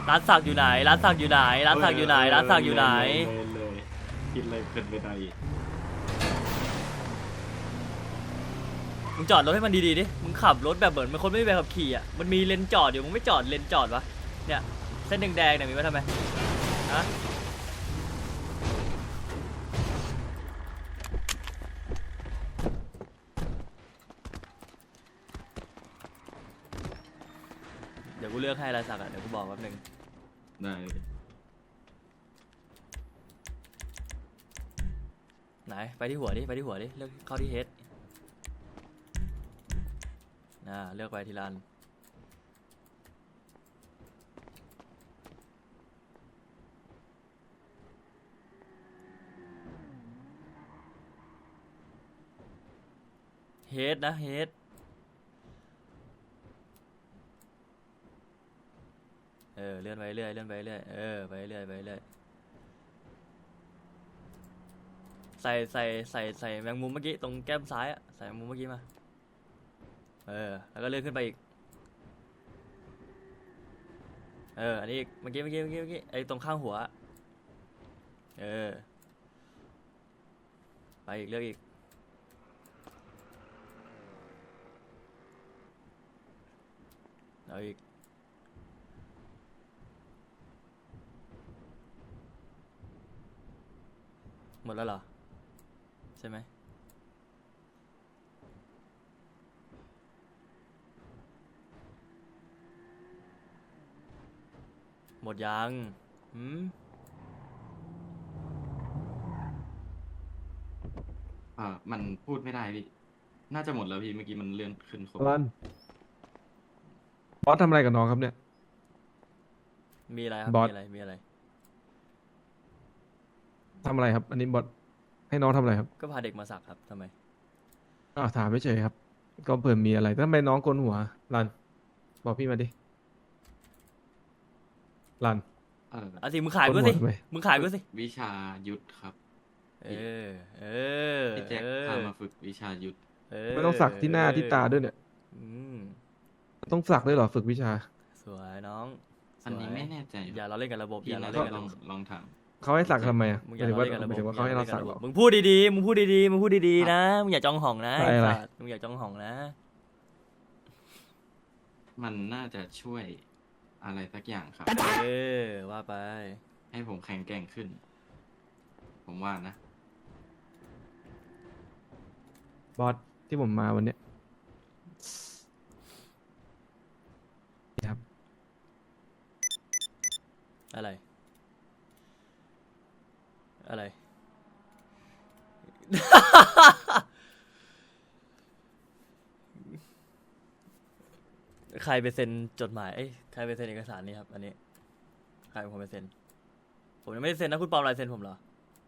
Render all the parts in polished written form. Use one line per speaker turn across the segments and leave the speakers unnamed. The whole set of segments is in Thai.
ร้านสักอยู่ไหนร้านสักอยู่ไหนร้านสักอยู่ไหนร้านสักอยู่ไหน
เลยกินเลยเพลินไปหน่อย
มึงจอดรถให้มันดีๆดิมึงขับรถแบบเหมือนมันคนไม่มีใบขับขี่อ่ะมันมีเลนจอดอยู่มึงไม่จอดเลนจอดวะเนี่ยเส้นแดงๆเนี่ยมีไว้ทำไมฮะเดี๋ยวกูเลือกให้ลายสักอ่ะเดี๋ยวกูบอกแป๊บนึง
ได้
ไหนไปที่หัวดิไปที่หัวดิเลือกเข้าที่เฮดเลือกไปทีละอันเฮดนะเฮดเลื่อนไปเรื่อยเลื่อนไปเรื่อยไปเรื่อยไปเรื่อยใส่แมงมุมเมื่อกี้ตรงแก้มซ้ายอะใส่แมงมุมเมื่อกี้มาแล้วก็เลื่อนขึ้นไปอีกอันนี้อีกเมื่อกี้ไอ้ตรงข้างหัวไปอีกเลือกอีกเอาอีกหมดแล้วเหรอใช่ไหมหมดยัง
มันพูดไม่ได้พี่น่าจะหมดแล้วพี่เมื่อกี้มันเลื่อนขึ้นครบ
บอสทำอะไรกับน้องครับเนี่ย
มีอะไรครับ
บอส
มีอะไร
ทำอะไรครับ อันนี้บอสให้น้องทำอะไรครับ
ก็พาเด็กมาสักครับทำไม
ถามไม่เฉยครับ ก็เผื่อมีอะไรทำไมน้องโกนหัวรันบอกพี่มาดิรัน
เอาสิมึงขายกูสิ
โกนหัวทำไม
มึงขายกูสิ
วิชายุทธครับ พี่แจ็คพามาฝึกวิชายุทธ
ไม่ต้องสักที่หน้าที่ตาด้วยเนี่ย ต้องสักด้วยเหรอฝึกวิชา
สวยน้องสวย
อันนี้ไม่แน่ใจ
อย่าเราเล่นกับระบบ
พี่
อย่า
น่า
เรา
จะ
เล่นกับ
ล
ระ
อง
บบ
ลองถาม
เขาให้สักทำไมอ่ะ
มึง
ห
อย่า
มายถึงว่า
เราเล่นกับระ
ห
บ
มาย
บ
ถึงว่าเขาให้เราสักเหรอ
มึงพูดดีๆมึงพูดดีๆมึงพูดดีๆนะมึงอย่าจ้องห่องนะ
อะไร
สัตว์มึงอย่าจ้องห่องนะ
มันน่าจะช่วยอะไรสักอย่างครับ
ว่าไป
ให้ผมแข็งแกร่งขึ้น ผมว่านะ
บอสที่ผมมาวันเนี้ยครับ
อะไร อะไร ใครไปเซ็นจดหมายใครไปเซ็นเอกสารนี้ครับ อันนี้ ใครเป็นคนไปเซ็น ผมยังไม่ได้เซ็นนะคุณปลอมลายเซ็นผมเหรอ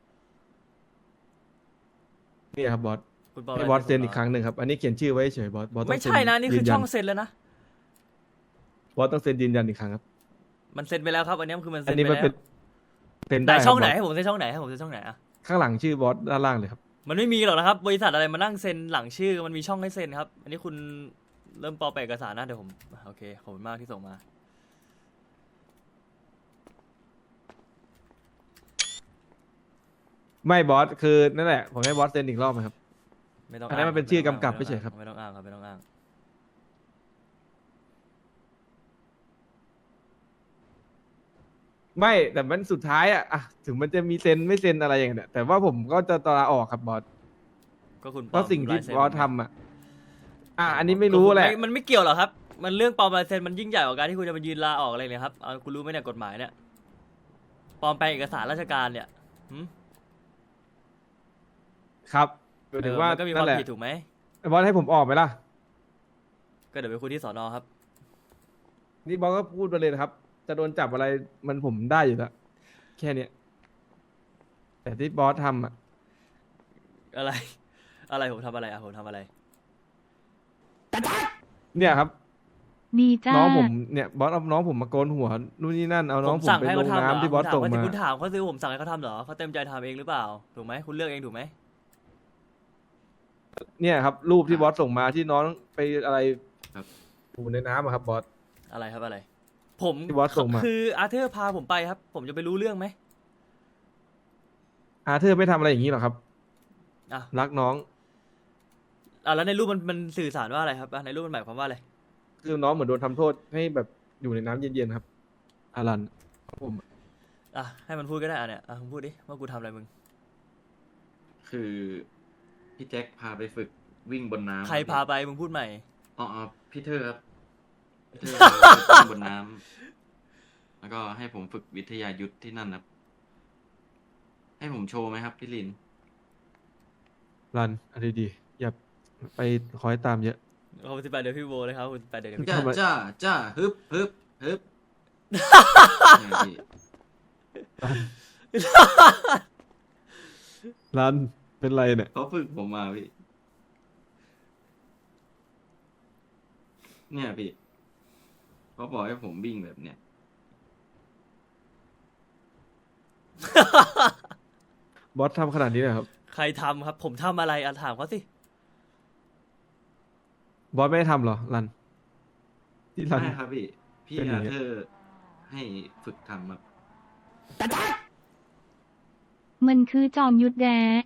นี่ครับบอส
คุณปลอม
ให้
ลาย
บอส
ผม
เซ็น
หร
อีกครั้งหนึ่งครับ อันนี้เขียนชื่อไว้เฉยบอสบอสต้อง
ไม่ใช่นะ นี่คือ
ยืยั
ช่องเซ็นแล้วนะ
บอสต้องเซ็นยืนยันอีกครั้งครับ
มันเซ็นไปแล้วครับ อันนี้คือมัน
อั
เซ็
น
น
นี้
ไป
มัน
แล้
เป็น
ว
เซ็น
ไหน
ได้
ช่องไหน
ครับ
ให้ผมเซ็นช่องไหนให้ผมเซ็นช่องไหนอะ
ข้างหลังชื่อบอสด้านล่างเลยครับ
มันไม่มีหรอกนะครับ บริษัทอะไรมานั่งเซ็นหลังชื่อ มันมีช่องให้เซ็นครับ อันนี้คุณเริ่มปลอมแปลงเอกสารนะเดี๋ยวผมโอเคขอบคุณมากที่ส่งมา
ไม่บอสคือนั่นแหละผมให้บอสเซ็นอีกรอบไหมครับ
ไม่ต้อง
อันนั้นมันเป็นชื่อกำกับไม่ใช่ครับ
ไม่ต้องอ้างครับไม่ต้องอ้าง
ไม่แต่มันสุดท้ายอะถึงมันจะมีเซ็นไม่เซ็นอะไรอย่างเงี้ยแต่ว่าผมก็จะลาออกครับบอส
ก็คุณ
เพราะสิ่งที่
ลายเซ็น
บอสทำอันนี้ไม่รู้แหละ
มันไม่เกี่ยวหรอกครับ มันเรื่องปลอมลายเซ็นมันยิ่งใหญ่กว่าการที่คุณจะมายืนลาออกอะไรเลยครับเอาคุณรู้ไหมเนี่ยกฎหมายเนี่ยปลอมแปลงเอกสารราชการเนี่ยหืม
ครับหมายถึงว่า
มันก็มีความ
นั่นแหละ
ผิดถูกไหม
บอสให้ผมออกไหมล่ะ
ก็เดี๋ยวไปคุยที่สนครับ
นี่บอสก็พูดไปเลยนะครับ จะโดนจับอะไรมันผมได้อยู่แล้วแค่เนี้ยแต่ที่บอสทำ
อะไร อะไรผมทำอะไรอะผมทำอะไร
เนี่ยครับ
มีจ้า
น้องผมเนี่ยบอสเอาน้องผมมาโกนหัวนู่นนี่นั่นเอาน้องผม
สั่ง
ไป
ให้
ล
เขา
ง
ทำเหรอ
น้ำที่บอสส่งมา
คุณถามเขาซื้อผมสั่งให้เขาทำเหรอเขาเต็มใจทำเองหรือเปล่าถูกไหมคุณเลือกเองถูกไหม
เนี่ยครับ รูปที่บอสส่งมาที่น้องไปอะไร
ครับ
อยู่ในน้ำอะครับบอส
อะไรครับอะไรผม
ที่บอสส่งมา
คืออาร์เธอร์พาผมไปครับ ผมจะไปรู้เรื่องไหม
อาเธอร์ไม่ทำอะไรอย่างนี้หรอกครับ
อ่ะ
รักน้อง
แล้วในรูปมันสื่อสารว่าอะไรครับในรูปมันหมายความว่าอะไร
คือน้องเหมือนโดนทำโทษให้แบบอยู่ในน้ำเย็นๆครับอารันครับผม
อ่ะให้มันพูดก็ได้อ่ะเนี่ยมึงพูดดิว่ากูทำอะไรมึง
คือพี่แจ็คพาไปฝึกวิ่งบนน้ำ
ใครพาไปมึงพูดใหม่
อ๋อพี่เธอครับพี่เธอพาไปฝึกวิ่งบนน้ำแล้วก็ให้ผมฝึกวิทยายุทธที่นั่นครับ ให้ผมโชว์ไหมครับพี่ลิน
รันเอะไรดีๆอย่าไปคอยตามเยอะ
ขอบคุณ18 เดือนพี่โบเลยครับขอบคุณ18 เดือนพี่
จ้า
ทำไม
จ้าฮึบฮึบฮึบเนี่ยพี่
รันเป็นไรเนี่ย
เขาฝึกผมมาพี่ เนี่ยพี่เขาบอกให้ผมวิ่งแบบเนี้ย
บอสทำขนาดนี้เลยครับ
ใครทำครับ ผมทำอะไรถามเขาสิ
บอสไม่ได้ทำเหรอรันที่รัน
ไม่ครับพี่ พี่
เป็นอย่าง
อา
เงี้ย
เธอร์ให้ฝึกทำครับ
มันคือจอมยุทธแด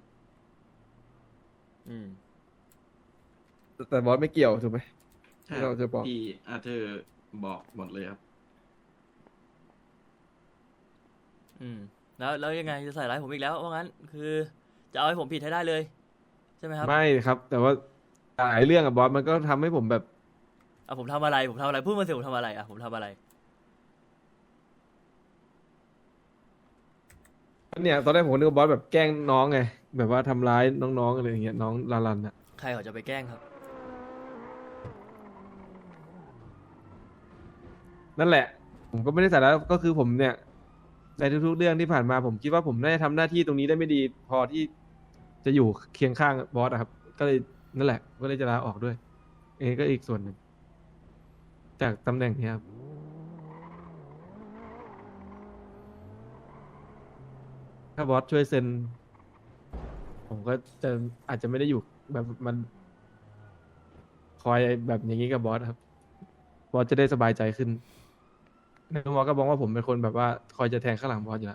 อืม
แต่บอสไม่เกี่ยวถูกไหม
ใช่
ที่เราจะบอก
พี่อาเธอร์บอกหมดเลยครับ
อืมแล้วยังไงจะใส่ร้ายผมอีกแล้วว่างั้นคือจะเอาให้ผมผิดให้ได้เลยใช่ไหมครับ
ไม่ครับ แต่ว่าหลายเรื่องอะบอสมันก็ทำให้ผมแบบ
ผมทำอะไรพูดมาสิผมทำอะไรผมทำอะไร
เนี่ยตอนแรกผมนึกว่าบอสแบบแกล้งน้องไงแบบว่าทำร้ายน้องๆอะไรอย่างเงี้ยน้องลาลันอะ
ใครเขาจะไปแกล้งครับ
นั่นแหละ ผมก็ไม่ได้ใส่แล้วก็คือผมเนี่ยในทุกๆเรื่องที่ผ่านมาผมคิดว่าผมน่าจะทำหน้าที่ตรงนี้ได้ไม่ดี พอที่จะอยู่เคียงข้างบอสอะครับ ก็เลยนั่นแหละ ก็เลยจะลาออกด้วย เองก็อีกส่วนหนึ่งจากตำแหน่งนี้ครับ ถ้าบอสช่วยเซ็น ผมก็จะอาจจะไม่ได้อยู่แบบมันคอยแบบอย่างนี้กับบอสครับ บอสจะได้สบายใจขึ้นในบอสก็บอกว่าผมเป็นคนแบบว่าคอยจะแทงข้างหลังบอสอยู่แล้ว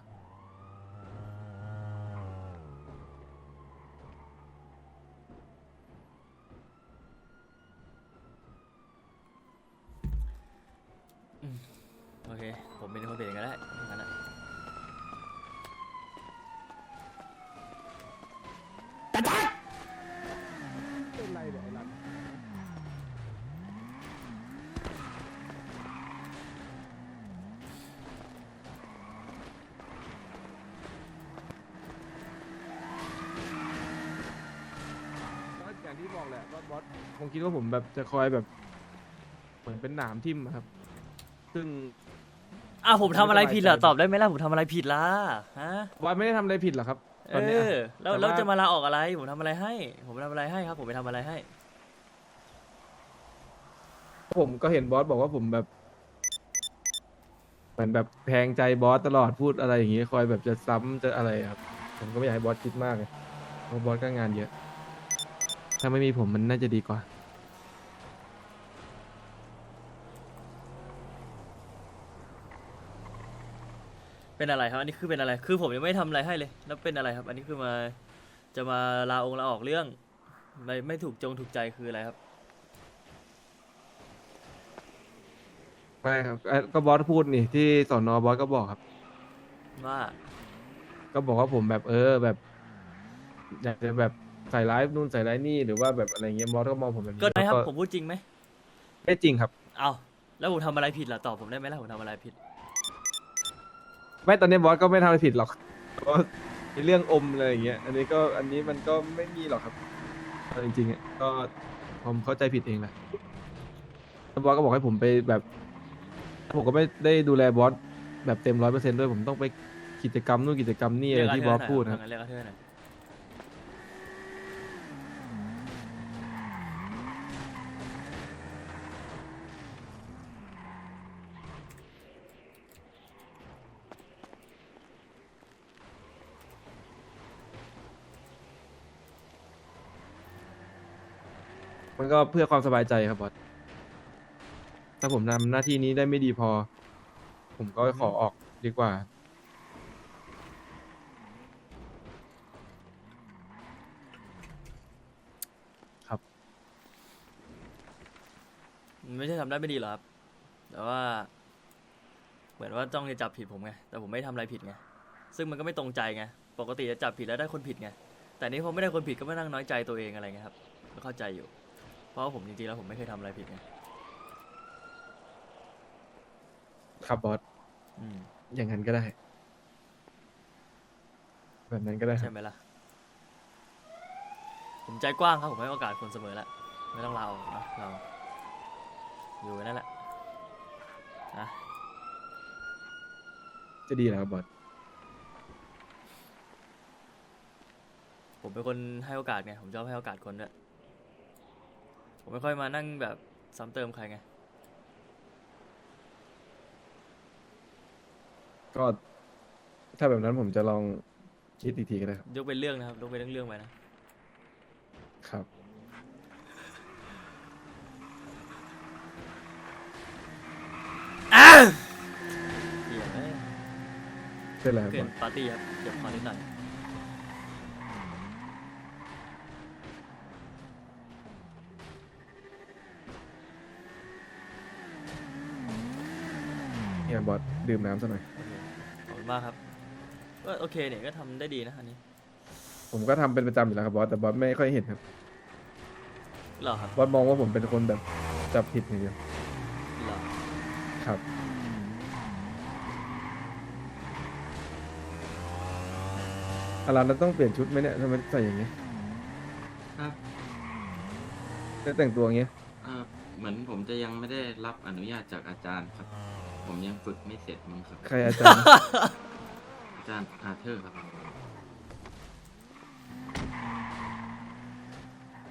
โอเค ผมเป็นคนเปลี่ยนก็ได้งั้นอะ
เป็นไรเนี่ยไอ้หลังก็อย่างที่บอกแหละว่าบอสคงคิดว่าผมแบบจะคอยแบบ เหมือนเป็นหนามทิ่มอะครับ ซึ่ง
ผมทำอะไรผิดล่ะตอบได้ไหมล่ะผมทำอะไรผิดล่ะฮะ
บอสไม่ได้ทำอะไรผิดหรอกครับตอนเนี้ย
แล้ว
แต่ว่า
แล้วจะมาลาออกอะไรผมทำอะไรให้ ผมทำอะไรให้ครับ ผมไปทำอะไรให้
ผมก็เห็นบอสบอกว่าผมแบบ เหมือนแบบแทงใจบอสตลอดพูดอะไรอย่างงี้คอยแบบจะซ้ำจะอะไรครับ ผมก็ไม่อยากให้บอสคิดมากเลยเพราะบอสก็งานเยอะ ถ้าไม่มีผมมันน่าจะดีกว่า
เป็นอะไรครับ อันนี้คือเป็นอะไร คือผมยังไม่ทำอะไรให้เลย แล้วเป็นอะไรครับ อันนี้คือจะมาลาออกเรื่อง ไม่ถูกใจคืออะไรครับ
ไม่ครับก็บอสพูดนี่ที่สอนอบอสก็บอกครับ
ว่า
ก็บอกว่าผมแบบแบบ อยากจะแบบใส่ร้ายนู่นใส่ร้ายนี่หรือว่าแบบอะไรเงี้ยบอสก็มองผมแบบนี้
ก็ได้ครับ
แล้ว
ผมพูดจริงไหม
ไม่จริงครับ
เอาแล้วผมทำอะไรผิดล่ะตอบผมได้ไหมล่ะผมทำอะไรผิด
ไม่ตอนนี้บอสก็ไม่ทำอะไรผิดหรอกเพราะในเรื่องอมอะไรอย่างเงี้ย อันนี้มันก็ไม่มีหรอกครับเอาจริงๆอ่ะก็ผมเข้าใจผิดเองแหละแล้วบอสก็บอกให้ผมไปแบบ ผมก็ไม่ได้ดูแลบอสแบบเต็ม100%ด้วยผมต้องไปกิจกรรมนู่นกิจกรรมนี่อะไรที่บอสพูดนะครับ
เรียกอาเธอร์หน่อย
มันก็เพื่อความสบายใจครับบอสถ้าผมทำหน้าที่นี้ได้ไม่ดีพอผมก็ขอออกดีกว่า ครับ
มันไม่ใช่ทำได้ไม่ดีหรอกครับ แต่ว่า เหมือนว่าต้องจะจับผิดผมไง แต่ผมไม่ทำอะไรผิดไง ซึ่งมันก็ไม่ตรงใจไง ปกติจะจับผิดแล้วได้คนผิดไง แต่นี้ผมไม่ได้คนผิดก็ไม่นั่งน้อยใจตัวเองอะไรเงี้ยครับ ก็เข้าใจอยู่ เพราะว่าผมจริงๆแล้วผมไม่เคยทำอะไรผิดไง
ครับบอส
อืม
อย่างนั้นก็ได้ แบบนั้นก็ได้ค
ใช่
รับ
ไหมล่ะ ผมใจกว้างครับ ผมให้โอกาสคนเสมอแล้ว ไม่ต้องลาออกนะเรา อยู่นั่นแหละนะ
จะดีแล้วครับบอส
ผมเป็นคนให้โอกาสไง ผมชอบให้โอกาสคนด้วย ผมไม่ค่อยมานั่งแบบซ้ำเติมใครไง
ก็ ถ้าแบบนั้นผมจะลองคิดอีกทีก็ได้ครับ
ยกเป็นเรื่องนะครับ ยกเป็นเรื่องๆไปนะ
ครับ
เหี้ยเอ้ย
เป็นไรครับ
เกิ
บอน ส
ปาร์ตี้ครับเก็บคอนิดหน่อย
เนี่ยบอสดื่มน้ำซะหน่อย
โอเคขอบคุณมากครับ ก็โอเคเนี่ยก็ทำได้ดีนะอันนี้
ผมก็ทำเป็นประจำอยู่แล้วครับบอส แต่บอสไม่ค่อยเห็นครับ
เหรอครับ
บอสมองว่าผมเป็นคนแบบจับผิดอย่างเดียว
เหรอ
ครับอะไรเราต้องเปลี่ยนชุดไหมเนี่ยทำไมใส่อย่างเงี้ย
ครับ
ได้แต่งตัวอย่างเงี้ย
เหมือนผมจะยังไม่ได้รับอนุญาตจากอาจารย์ครับ ผมยังฝึกไม่เสร็จมั้งครับ
ใครอาจารย์
อาจารย์อาเธอร์ครับ